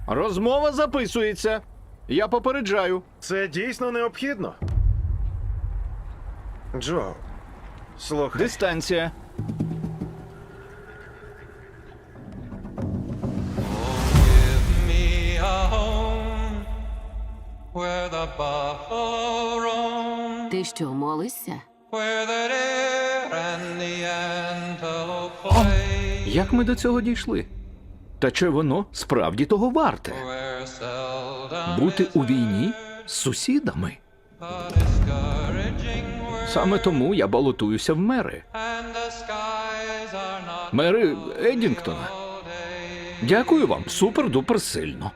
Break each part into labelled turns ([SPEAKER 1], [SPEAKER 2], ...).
[SPEAKER 1] Розмова записується. Я попереджаю.
[SPEAKER 2] Це дійсно необхідно. Джо, слухай.
[SPEAKER 1] Дистанція.
[SPEAKER 3] Me a home where the buffalo roam,
[SPEAKER 4] Ти що, молишся?
[SPEAKER 3] where the deer and the antelope play,
[SPEAKER 1] Як ми до цього дійшли? Та чи воно справді того варте?
[SPEAKER 3] where seldom
[SPEAKER 1] Бути у війні з сусідами?
[SPEAKER 3] a discouraging word,
[SPEAKER 1] Саме тому я балотуюся в мери.
[SPEAKER 3] and the skies are not
[SPEAKER 1] Мери Еддінгтона. Дякую вам, супер-дупер сильно.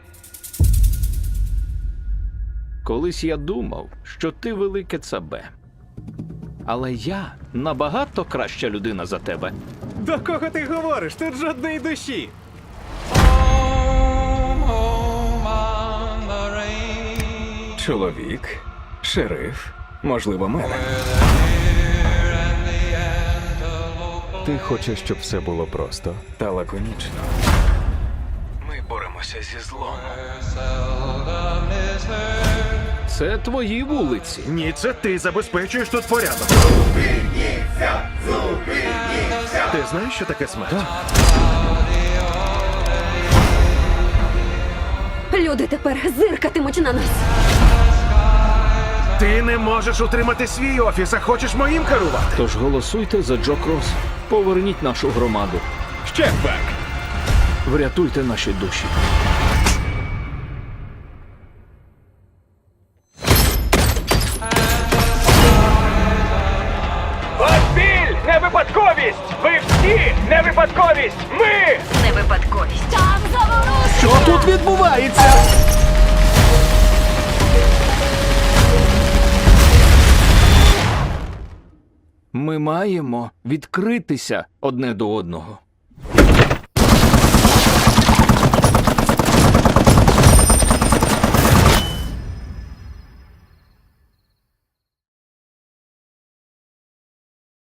[SPEAKER 1] Колись я думав, що ти велике цабе. Але я набагато краща людина за тебе.
[SPEAKER 5] До кого ти говориш? Тут жодної душі.
[SPEAKER 3] home, home on the range,
[SPEAKER 5] Чоловік, шериф, можливо, мер. Ти хочеш, щоб все було просто та лаконічно. Ми боремося зі злом.
[SPEAKER 3] seldom is heard.
[SPEAKER 1] Це твої вулиці.
[SPEAKER 2] Ні, це ти забезпечуєш тут порядок. Ти знаєш, що таке смерть?
[SPEAKER 4] Люди тепер зиркатимуть на нас.
[SPEAKER 2] Ти не можеш утримати свій офіс, а хочеш моїм керувати.
[SPEAKER 1] Тож голосуйте за Джо Крос. Поверніть нашу громаду.
[SPEAKER 5] Ще бек!
[SPEAKER 1] Врятуйте наші душі.
[SPEAKER 6] Ваш біль – не випадковість! Ви всі не випадковість! Ми!
[SPEAKER 4] Не випадковість. Там заворушення!
[SPEAKER 1] Що тут відбувається? Ми маємо відкритися одне до одного.